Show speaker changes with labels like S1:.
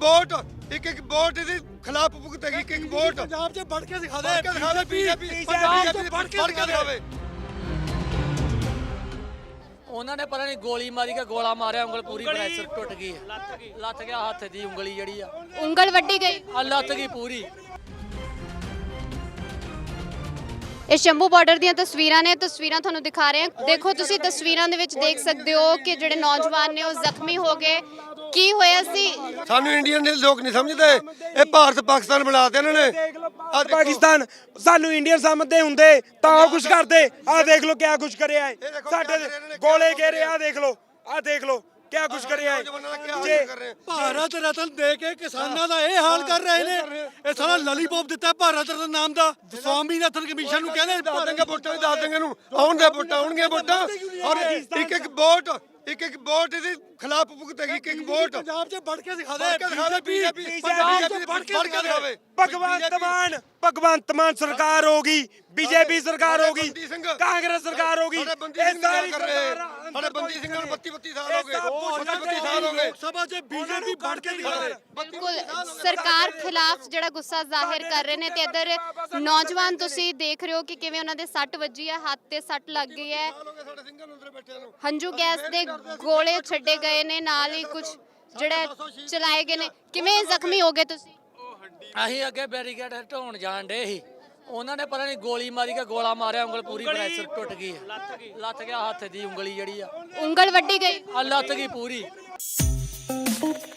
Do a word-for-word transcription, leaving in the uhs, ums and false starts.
S1: Vote ਇੱਕ ਇੱਕ vote ਦੇ ਖਿਲਾਫ ਭੁਗਤੇਗੀ ਇੱਕ ਇੱਕ ਵੋਟ
S2: ਪੰਜਾਬ 'ਚ ਵੜ ਕੇ ਦਿਖਾ
S1: ਫੜ ਕੇ ਦਿਖਾਵੇ ਬੀਜੇਪੀ
S2: ਪੰਜਾਬ 'ਚ ਵੜ ਕੇ
S1: ਦਿਖਾਵੇ।
S3: ਉਹਨਾਂ ਨੇ ਪਤਾ ਨਹੀਂ ਗੋਲੀ ਮਾਰੀ ਕੇ ਗੋਲਾ ਮਾਰਿਆ, ਉਂਗਲ ਪੂਰੀ ਪ੍ਰੈਸ਼ਰ ਟੁੱਟ ਗਈ ਹੈ, ਲੱਥ ਗਿਆ ਹੱਥ ਦੀ ਉਂਗਲੀ ਜਿਹੜੀ ਆ,
S4: ਉਂਗਲ ਵੱਡੀ ਗਈ।
S3: ਆ ਲੱਥ ਗਈ ਪੂਰੀ।
S4: ਇਹ ਸ਼ੰਭੂ ਬਾਰਡਰ ਦੀਆਂ ਤਸਵੀਰਾਂ ਨੇ, ਤਸਵੀਰਾਂ ਤੁਹਾਨੂੰ ਦਿਖਾ ਰਹੇ ਹਾਂ। ਦੇਖੋ ਤੁਸੀਂ ਤਸਵੀਰਾਂ ਦੇ ਵਿੱਚ ਦੇਖ ਸਕਦੇ ਹੋ ਕਿ ਜਿਹੜੇ ਨੌਜਵਾਨ ਨੇ ਉਹ ਜ਼ਖਮੀ ਹੋ ਗਏ। ਕੀ ਹੋਇਆ ਸੀ?
S1: ਸਾਨੂੰ ਇੰਡੀਅਨ ਦੇ ਲੋਕ ਨਹੀਂ ਸਮਝਦੇ, ਇਹ ਭਾਰਤ ਪਾਕਿਸਤਾਨ ਬਣਾਤੇ ਇਹਨਾਂ ਨੇ।
S2: ਅੱਜ ਪਾਕਿਸਤਾਨ ਸਾਨੂੰ ਇੰਡੀਅਨ ਸਮਝਦੇ ਹੁੰਦੇ ਤਾਂ ਉਹ ਕੁਝ ਕਰਦੇ। ਆਹ ਦੇਖ ਲਓ ਕਿਆ ਕੁਝ ਕਰਿਆ ਹੈ, ਸਾਡੇ ਗੋਲੇ ਘੇਰੇ। ਆਹ ਦੇਖ ਲਓ, ਆਹ ਦੇਖ ਲਓ ਕਿਆ ਕੁਝ ਕਰਿਆ ਹੈ। ਜੇ
S5: ਭਾਰਤ ਰਤਨ ਦੇ ਕੇ ਕਿਸਾਨਾਂ ਦਾ ਇਹ ਹਾਲ ਕਰ ਰਹੇ ਨੇ, ਇਹ ਸਾਰਾ ਲਲੀਪੌਪ ਦਿੱਤਾ ਭਾਰਤ ਰਤਨ ਨਾਮ ਦਾ। ਸਵਾਮੀਨਾਥਨ ਕਮਿਸ਼ਨ ਨੂੰ ਕਹਿੰਦੇ
S1: ਦੱਸ ਦੇਂਗੇ ਵੋਟਾਂ ਵੀ ਦੱਸ ਦੇਂਗੇ ਨੂੰ ਆਉਣ ਦੇ ਵੋਟਾਂ ਆਉਣਗੀਆਂ ਵੋਟਾਂ ਔਰ ਇੱਕ ਇੱਕ ਵੋਟ ਇੱਕ ਇੱਕ ਵੋਟ ਦੇ ਖਿਲਾਫ ਭੁਗਤੇਗੀ ਇੱਕ ਇੱਕ ਵੋਟ
S5: ਪੰਜਾਬ 'ਚ ਵੜ ਕੇ ਦਿਖਾ ਦੇ
S1: ਫੜ ਕੇ ਦਿਖਾਵੇ ਬੀਜੇਪੀ
S5: ਪੰਜਾਬ 'ਚ ਵੜ ਕੇ
S1: ਦਿਖਾਵੇ।
S2: ਭਗਵੰਤ ਮਾਨ ਭਗਵੰਤ ਮਾਨ ਸਰਕਾਰ ਹੋ ਗਈ, ਬੀਜੇਪੀ ਸਰਕਾਰ ਹੋ ਗਈ,
S1: ਬੰਦੀ ਸਿੰਘ
S2: ਕਾਂਗਰਸ ਸਰਕਾਰ ਹੋ ਗਈ।
S1: ਸਾਡੇ ਬੰਦੀ
S2: ਇਹ
S1: ਸਿੰਘ ਗੱਲ
S2: ਸਾਰੀ
S1: ਕਰ ਰਹੇ
S2: ਸਰਕਾਰਾਂ
S1: ਸਾਡੇ ਬੰਦੀ ਸਿੰਘਾਂ ਨੂੰ ਬੱਤੀ ਬੱਤੀ ਸਾਲ ਹੋ ਗਏ,
S2: ਇਹ ਸਭ
S1: ਬੱਤੀ ਸਾਲ ਹੋ ਗਏ।
S5: ਲੋਕ ਸਭਾ 'ਚ ਬੀਜੇਪੀ ਵੜ ਕੇ ਦਿਖਾ ਦੇ।
S4: ਬਿਲਕੁਲ ਸਰਕਾਰ ਖਿਲਾਫ ਜਿਹੜਾ ਗੁੱਸਾ ਜ਼ਾਹਿਰ ਕਰ ਰਹੇ ਨੇ ਤੇ ਇੱਧਰ ਨੌਜਵਾਨ ਤੁਸੀਂ ਦੇਖ ਰਹੇ ਹੋ ਕਿ ਕਿਵੇਂ ਉਹਨਾਂ ਦੇ ਸੱਟ ਵੱਜੀ ਹੈ, ਹੱਥ ਤੇ ਸੱਟ ਲੱਗ ਗਈ ਹੈ।
S1: ਸਾਡੇ ਸਿੰਘਾਂ ਨੂੰ ਅੰਦਰ ਬੈਠਿਆਂ ਨੂੰ
S4: ਹੰਝੂ ਗੈਸ ਦੇ ਗੋਲੇ ਛੱਡੇ ਗਏ ਨੇ, ਨਾਲ ਹੀ ਕੁਝ ਜਿਹੜੇ ਚਲਾਏ ਗਏ ਨੇ। ਕਿਵੇਂ ਜ਼ਖਮੀ ਹੋ ਗਏ ਤੁਸੀਂ?
S3: ਅਸੀਂ ਅੱਗੇ ਬੈਰੀਕੇਡ ਹਟਾਉਣ ਜਾਣ ਡੇ ਸੀ, ਉਹਨਾਂ ਨੇ ਪਤਾ ਨਹੀਂ ਗੋਲੀ ਮਾਰੀ ਕੇ ਗੋਲਾ ਮਾਰਿਆ, ਉਂਗਲ ਪੂਰੀ ਪ੍ਰੈਸ਼ਰ ਟੁੱਟ ਗਈ ਹੈ, ਲੱਥ ਗਿਆ ਹੱਥ ਦੀ ਉਂਗਲੀ ਜਿਹੜੀ ਆ,
S4: ਉਂਗਲ ਵੱਡੀ ਗਈ।
S3: ਆ ਲੱਥ ਗਈ ਪੂਰੀ।